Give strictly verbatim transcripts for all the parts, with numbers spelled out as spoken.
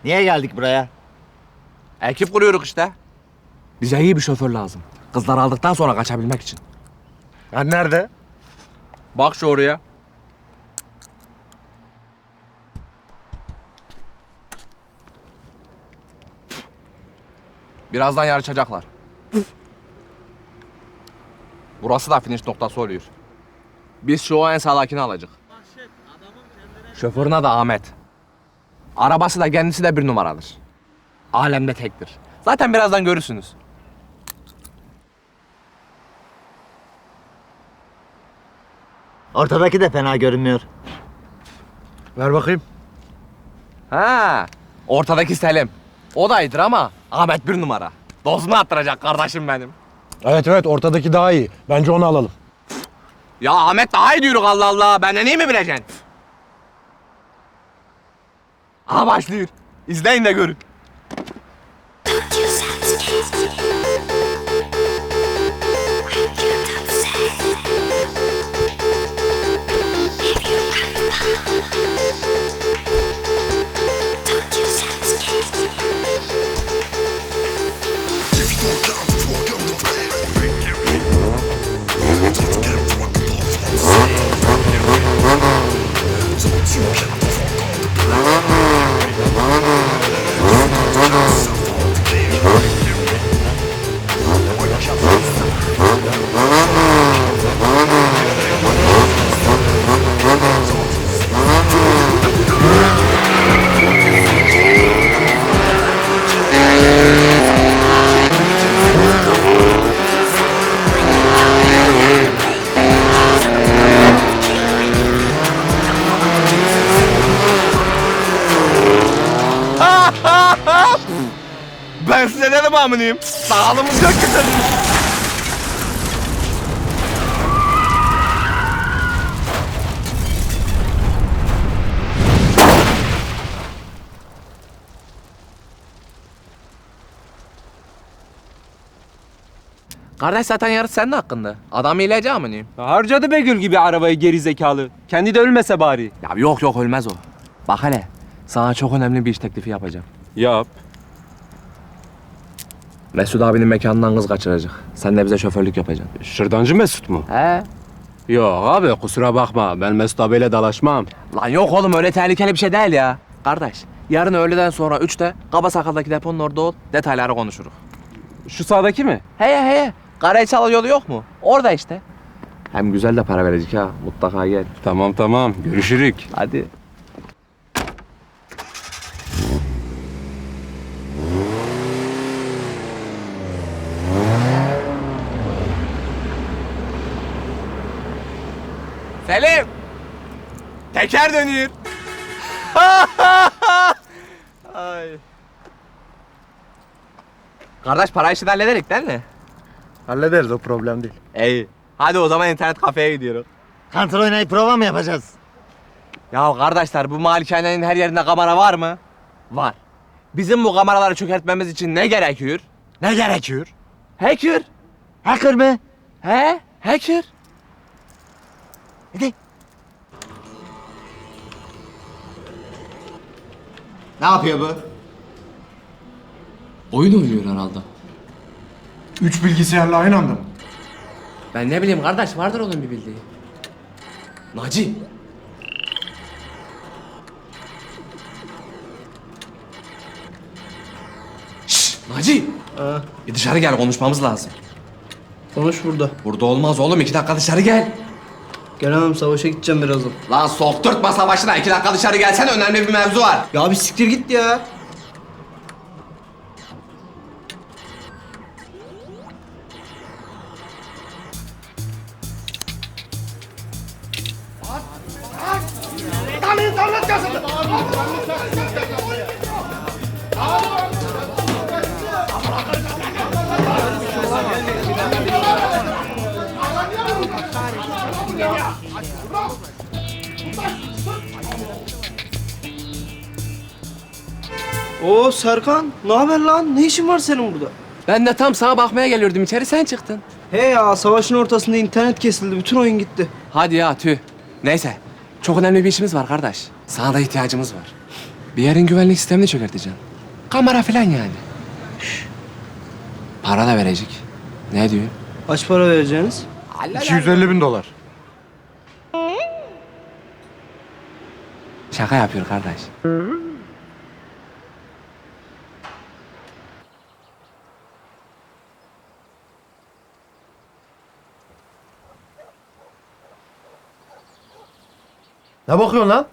Niye geldik buraya? Ekip kuruyoruz işte. Bize iyi bir şoför lazım. Kızları aldıktan sonra kaçabilmek için. Ben nerede? Bak şu oraya. Birazdan yarışacaklar. Burası da finish noktası oluyor. Biz şu en sağdakini alacak. Şoförün adı Ahmet. Arabası da kendisi de bir numaradır. Alemde tektir. Zaten birazdan görürsünüz. Ortadaki de fena görünmüyor. Ver bakayım. Ha, ortadaki Selim. O da iyidir ama Ahmet bir numara. Dozunu attıracak kardeşim benim. Evet evet ortadaki daha iyi. Bence onu alalım. Ya Ahmet daha iyi diyoruz Allah Allah. Benden iyi mi bileceksin? Aha başlıyor. İzleyin de görün. Ben size dedim aminiyim. Sağlığımız yok ki senin. Kardeş zaten yarış senin hakkında. Adam iyilece aminiyim. Harcadı Begül gibi arabayı geri zekalı. Kendi de ölmese bari. Ya yok yok ölmez o. Bak hele sana çok önemli bir iş teklifi yapacağım. Yap. Mesut abinin mekanından kız kaçıracak. Sen de bize şoförlük yapacaksın. Şırdancı Mesut mu? He? Yok abi kusura bakma. Ben Mesut abiyle dalaşmam. Lan yok oğlum öyle tehlikeli bir şey değil ya. Kardeş yarın öğleden sonra üçte Kaba Sakal'daki deponun orada ol. Detayları konuşuruz. Şu sağdaki mi? Heye heye. Karaçal yolu yok mu? Orada işte. Hem güzel de para verecek ha. Mutlaka gel. Tamam tamam. Görüşürük. Hadi. Selim. Teker dönüyor. Ay. Kardeş para işini hallederik değil mi? Hallederiz o problem değil. İyi. Hadi o zaman internet kafeye gidiyoruz. Kantor oynayıp prova mı yapacağız? Ya kardeşler bu malikanenin her yerinde kamera var mı? Var. Bizim bu kameraları çökertmemiz için ne gerekiyor? Ne gerekiyor? Hacker. Hacker mı? He? Hacker. Hadi. Ne yapıyor bu? Oyun oynuyor herhalde. Üç bilgisayarla aynı anda mı? Ben ne bileyim kardeş vardır onun bir bildiği. Naci. Şşş Naci. Bir dışarı gel konuşmamız lazım. Konuş burada. Burada olmaz oğlum iki dakika dışarı gel. Gelemem, savaşa gideceğim birazdan. Lan sokturtma savaşına iki dakika dışarı gelsene önemli bir mevzu var. Ya bir siktir git ya. Oo Serkan, ne haber lan? Ne işin var senin burada? Ben de tam sana bakmaya geliyordum içeri sen çıktın. He ya, savaşın ortasında internet kesildi, bütün oyun gitti. Hadi ya tüh. Neyse çok önemli bir işimiz var kardeş. Sana da ihtiyacımız var. Bir yerin güvenlik sistemini çökerteceksin. Kamera falan yani. Para da verecek. Ne diyor? Kaç para vereceğiniz? iki yüz elli bin dolar. Şaka yapıyor kardeş. Ne bakıyorsun lan?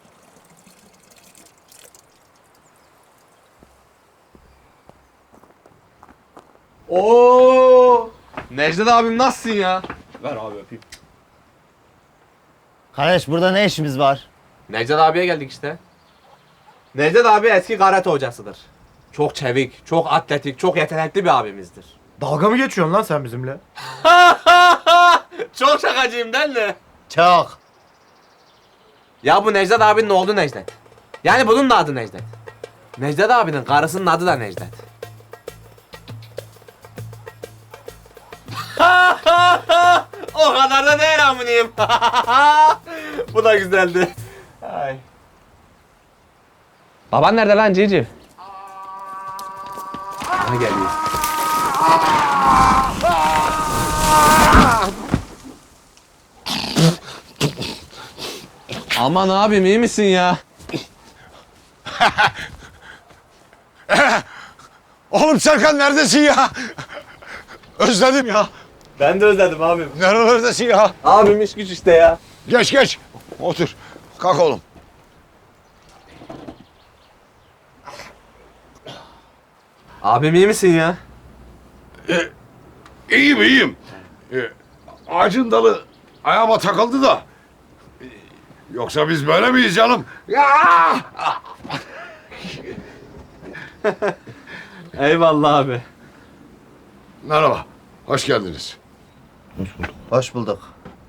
Oo! Necdet abim nasılsın ya? Ver abi öpeyim. Kardeş burada ne işimiz var? Necdet abiye geldik işte. Necdet abi eski karate hocasıdır. Çok çevik, çok atletik, çok yetenekli bir abimizdir. Dalga mı geçiyorsun lan sen bizimle? Çok şakacıyım değil mi? Çok. Ya bu Necdet abinin oğlu Necdet. Yani bunun da adı Necdet. Necdet abinin karısının adı da Necdet. O kadar da değil amınıyım. Bu da güzeldi. Ay. Baban nerede lan Cici? Aha geliyor. Aman abim iyi misin ya? Oğlum Serkan neredesin ya? Özledim ya. Ben de özledim abim. Nerelerdesin ya? Abim iş güç işte ya. Geç geç. Otur. Kalk oğlum. Abim iyi misin ya? İyiyim iyiyim. Ee, ağacın dalı ayağıma takıldı da. Ee, Yoksa biz böyle miyiz canım? Ya! Eyvallah abi. Merhaba. Hoş geldiniz. Hoş bulduk.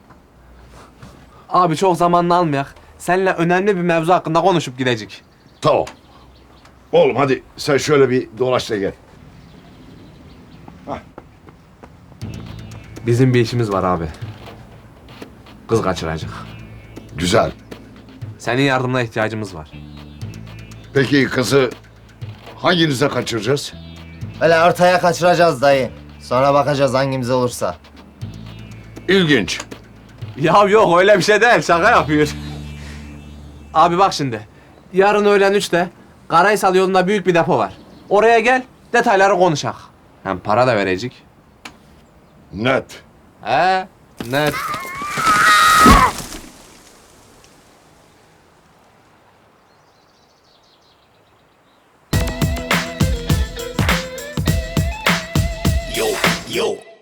Abi çok zamanını almayak. Seninle önemli bir mevzu hakkında konuşup gidecek. Tamam. Oğlum hadi sen şöyle bir dolaş da gel. Bizim bir işimiz var abi. Kız kaçıracak. Güzel. Senin yardımına ihtiyacımız var. Peki kızı hanginize kaçıracağız? Öyle ortaya kaçıracağız dayı. Sonra bakacağız hangimiz olursa. İlginç. Ya yok öyle bir şey değil. Şaka yapıyor. Abi bak şimdi. Yarın öğlen üçte Karahisar yolunda büyük bir depo var. Oraya gel, detayları konuşak. Hem para da verecek. Net. He, net. Yo, yo.